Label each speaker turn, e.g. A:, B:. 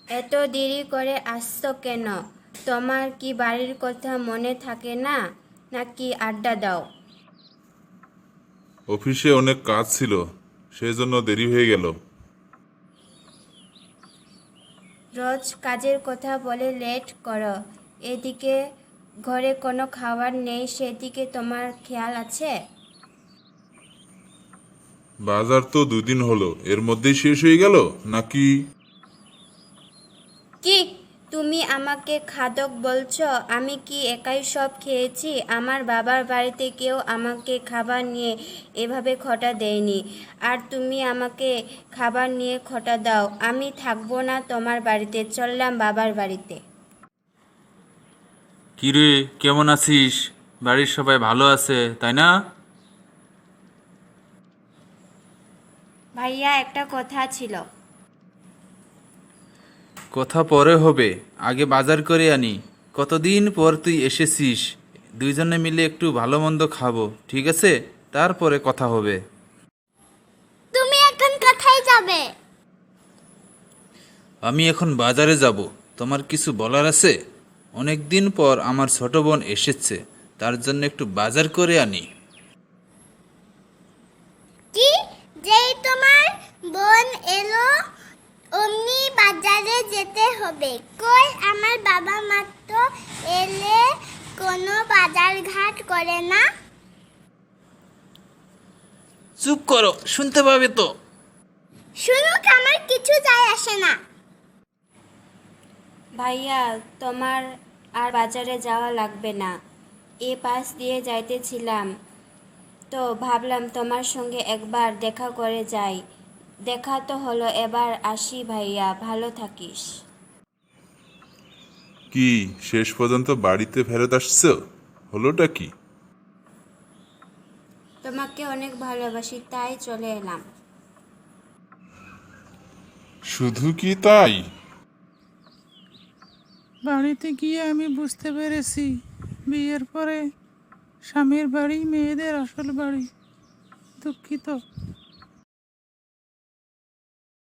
A: এত দেরি করে আসছো কেন? তোমার কি বাড়ির কথা মনে থাকে না, নাকি আড্ডা দাও?
B: অফিসে অনেক কাজ ছিল, সেজন্য দেরি হয়ে গেল।
A: রোজ কাজের কথা বলে লেট করো। এদিকে ঘরে কোনো খাবার নেই, সেদিকে তোমার খেয়াল আছে?
B: বাজার তো 2 দিন হলো, এর মধ্যেই শেষ হয়ে গেল নাকি?
A: কি, তুমি আমাকে খাদক বলছো? আমি কি একাই সব খেয়েছি? আমার বাবার বাড়িতে কেউ আমাকে খাবার নিয়ে এভাবে খোঁটা দেয়নি। আর তুমি আমাকে খাবার নিয়ে খোঁটা দাও। আমি থাকবো না তোমার বাড়িতে, চললাম বাবার বাড়িতে।
C: কিরে, কেমন আছিস? বাড়ির সবাই ভালো আছে তাই না?
A: ভাইয়া, একটা কথা ছিল।
C: কথা পরে হবে, আগে বাজার করে আনি। কতদিন পর তুই এসেছিস, দুইজনে মিলে একটু ভালো মন্দ খাবো, ঠিক আছে? তারপরে কথা হবে।
D: তুমি এখন কোথায় যাবে?
C: আমি এখন বাজারে যাব। তোমার কিছু বলার আছে? অনেক দিন পর আমার ছোট বোন এসেছে, তার জন্য একটু বাজার করে আনি।
D: কি, যেই তোমার বোন এলো অমনি বাজারে যেতে হবে? কই, আমার বাবা মাত্র এলে কোনো বাজার ঘাট করে না।
C: চুপ করো, শুনতে পাবে তো।
D: শুনুক, আমার কিছু যায় আসে না।
A: ভাইয়া, তোমার আর বাজারে যাওয়া লাগবে না। এ পাশ দিয়ে যাইতেছিলাম, তো ভাবলাম তোমার সঙ্গে একবার দেখা করে যাই। দেখা তো হলো, এবার আসি ভাইয়া, ভালো থাকিস।
B: কি, শেষ পর্যন্ত বাড়িতে ফেরত আসছো? হলোটা কি?
A: তোমাকে অনেক ভালোবাসি, তাই চলে এলাম।
B: শুধু কি তাই?
E: বাড়িতে গিয়ে আমি বুঝতে পেরেছি, বিয়ের পরে স্বামীর বাড়ি মেয়েদের আসল বাড়ি। দুঃখিত।